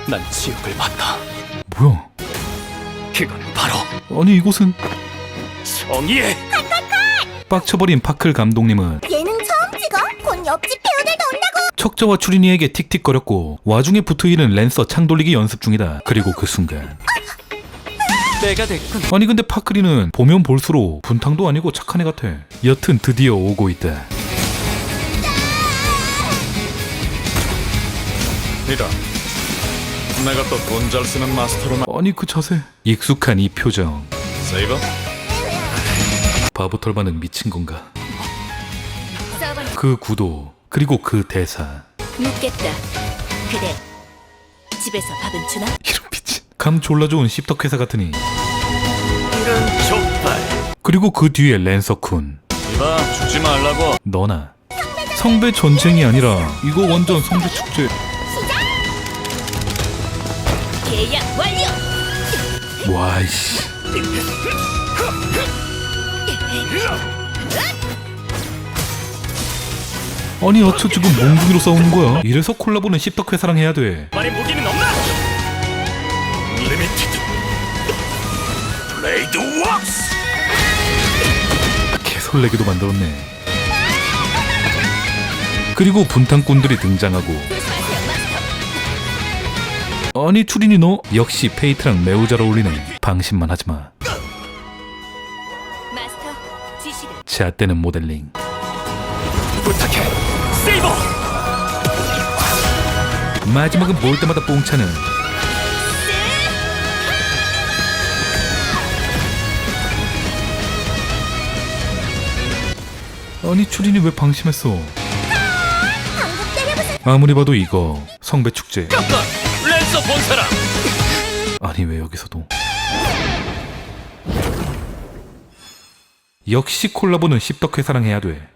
난 지옥을 봤다. 뭐야? 그건 바로 아니 이곳은 정의의 빡쳐버린 파클 감독님은 예능 처음 찍어? 곧 옆집 배우들도 온다고. 척자와 추린이에게 틱틱거렸고 와중에 붙어있는 랜서 창 돌리기 연습 중이다. 그리고 그 순간 때가 됐군. 아니 근데 파클이는 보면 볼수록 분탕도 아니고 착한 애 같아. 여튼 드디어 오고 있다. 이다. 내가 또 돈 잘 쓰는 마스터로만. 아니 그 자세, 익숙한 이 표정. 세이버? 바보 털바는 미친 건가? 그 구도, 그리고 그 대사. 묻겠다. 그래. 집에서 밥은 주나? 이런 미친. 감 졸라 좋은 씹덕회사 같으니. 이런 족발. 그리고 그 뒤에 랜서쿤. 이봐, 주지 말라고. 너나. 성배 전쟁이 아니라 이거 완전 성배 축제. 계약 완료. 와이씨. 아니 어쩌 지금 몽둥이로 싸우는 거야? 이래서 콜라보는 씹덕회사랑 해야 돼. 말의 무기는 없나? 리미티드 블레이드 웍스. 개설레기도 만들었네. 그리고 분탕꾼들이 등장하고. 아니 추린이 너 역시 페이트랑 매우 잘 어울리네. 방심만 하지마. 마스터 지시를. 제앗대는 모델링. 부탁해 세이버. 마지막은 볼 때마다 뽕차는. 아니 추린이 왜 방심했어? 방금 때려부숴. 아무리 봐도 이거 성배 축제. 깜빡 랜서 본 사람. 아니 왜 여기서도? 역시 콜라보는 씹덕회사랑 해야 돼.